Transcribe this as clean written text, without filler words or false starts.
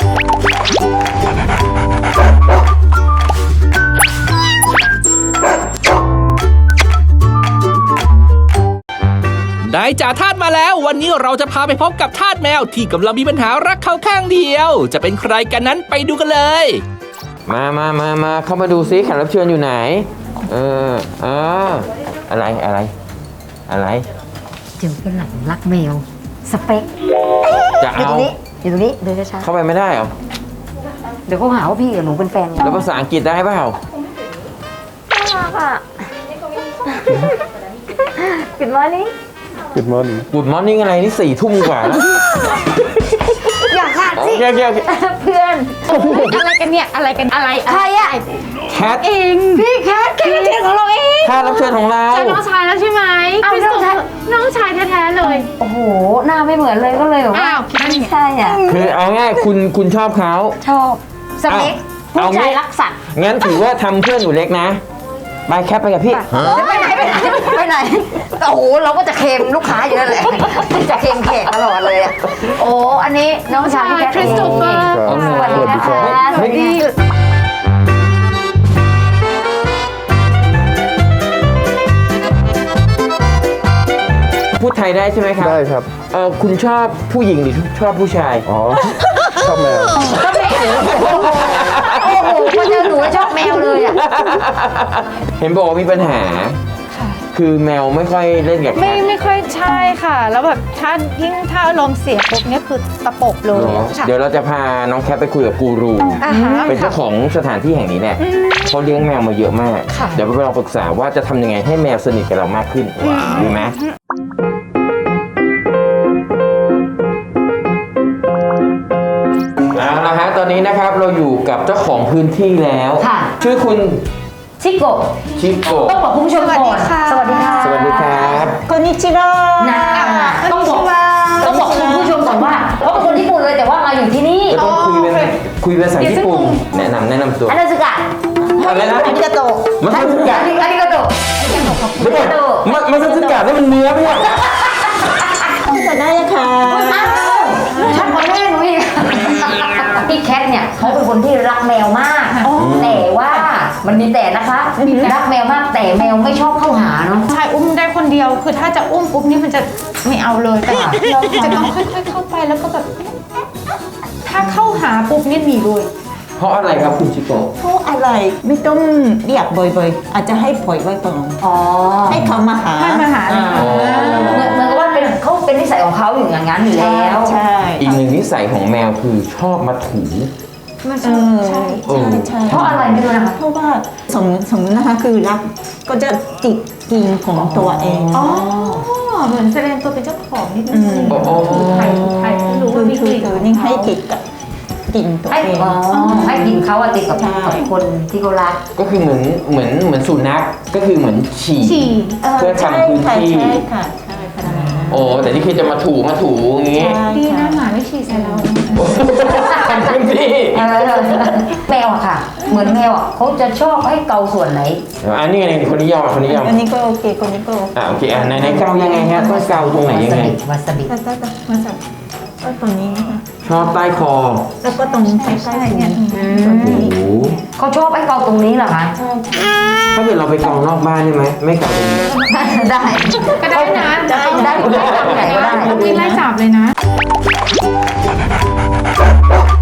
นายจ่าทาสมาแล้ววันนี้เราจะพาไปพบกับทาสแมวที่กำลังมีปัญหารักเขาข้างเดียวจะเป็นใครกันนั้นไปดูกันเลยมาเข้ามาดูซิแขกรับเชิญอยู่ไหนอะไรเจอเป็นหลังรักแมวสเปคจะเอาอยู่ตรงนี้เดินช้าเข้าไปไม่ได้เหรอเดี๋ยวเขาหาว่าพี่กับหนูเป็นแฟนกันแล้วภาษาอังกฤษได้เปล่าน่ารักอ่ะ Good morning Good morning อะไรนี่4 ทุ่มกว่าแล้วอยากขาดสิเพื่อนอะไรกันเนี่ยอะไรใครอะแคทเองพี่แคทรับเชิญของเราเองแคทรับเชิญของเราใช่น้องชายแล้วใช่ไหมพี่สุน้องชายแท้ๆเลยโอ้โหหน้าไม่เหมือนเลยก็เลยแบบว่าไม่ใช่อ่ะคือเอาง่ายคุณชอบเขาชอบสเปคผู้ชายรักสัตว์งั้นถือว่าทำเพื่อนหนูเล็กนะไปแคปไปกับพี่ไปไหนโอ้โหเราก็จะเค็มลูกค้าเยอะเลยจะเค็มแขกตลอดเลยอ่ะโอ้อันนี้น้องชายพี่แคทคริสโตเฟอร์สวัสดีนะคะสวัสดีพูดไทยได้ใช่ไหมครับได้ครับคุณชอบผู้หญิงหรือชอบผู้ชายอ๋อชอบแมวโอ้โหพอเจอหนูชอบแมวเลยอ่ะเห็นบอกว่ามีปัญหาคือแมวไม่ค่อยเล่นกับแคทไม่ค่อยใช่ค่ะแล้วแบบถ้าอารมณ์เสียปุ๊บเนี่ยคือตะปบเลยเดี๋ยวเราจะพาน้องแคทไปคุยกับกูรูเป็นเจ้าของสถานที่แห่งนี้เนี่ยเขาเลี้ยงแมวมาเยอะมากเดี๋ยวเราปรึกษาว่าจะทำยังไงให้แมวสนิทกับเรามากขึ้นดีไหมเอาละฮะตอนนี้นะครับเราอยู่กับเจ้าของพื้นที่แล้วชื่อคุณชิโกต้องบอกคุณผู้ชมก่อนสวัสดีค่ะสวัสดีครับこんにちはต้องบอกคุณผู้ชมก่อนว่าเขาเป็นคนญี่ปุ่นเลยแต่ว่ามาอยู่ที่นี่ต้องคุยภาษาญี่ปุ่นแนะนำตัวอานาซึกะอะไรนะอาริกาโตมาซึกะอาริกาโตมาซึกะนี่มันเนื้อไม่ใช่จะได้ค่ะชัดกว่าแม่หนูอีกพี่แคทเนี่ยเขาเป็นคนที่รักแมวมากแต่ว่ามันมีแต่นะคะรักแมวมากแต่แมวไม่ชอบเข้าหาเนาะใช่อุ้มได้คนเดียวคือถ้าจะอุ้มปุ๊บนี่มันจะไม่เอาเลยแต่จะต้องค่อยๆเข้าไปแล้วก็แบบถ้าเข้าหาปุ๊บนี่หนีเลยเพราะอะไรครับคุณชิโกะเพราะอะไรไม่ต้องเรียกบ่อยๆอาจจะให้ปล่อยไว้ก่อนให้เขามาหาเหมือนกับว่าเขาเป็นนิสัยของเขาอย่างนั้นอยู่แล้วใช่อีกหนึ่งนิสัยของแมวคือชอบมาถูใช่เพราะอะไรไม่รู้นะคะเพราะว่าสมมตินะคะคือรักก็จะจิกกินของตัวเองเหมือนแสดงตัวเป็นเจ้าของนิดนึงใครรู้คือนี่ให้ติดกับกินตัวเองให้กินเขาติดกับคนที่เขารักก็คือเหมือนสุนัขก็คือเหมือนฉี่เพื่อทำพื้นที่โอ้แต่ที่คิดจะมาถูอย่างงี้ดีนะหมาไม่ฉี่ใส่เราทำพื้นที่แมวอะค่ะเหมือนแมวอะเขาจะชอบให้เกาส่วนไหนอันนี้ไงคนนี้ยอมอันนี้ก็โอเคคนนี้ก็โอเคในเกายังไงฮะต้องเกาตรงไหนยังไงวาซาบิก็ตรงนี้นะคะชอบใต้คอแล้วก็ตรงใต้เนี่ยเขาชอบให้เกาตรงนี้เหรอคะถ้าเกิดเราไปเกานอกบ้านได้ไหมไม่เกาตรงนี้ได้ก็ได้นะได้ต้องกินไล่จับเลยนะ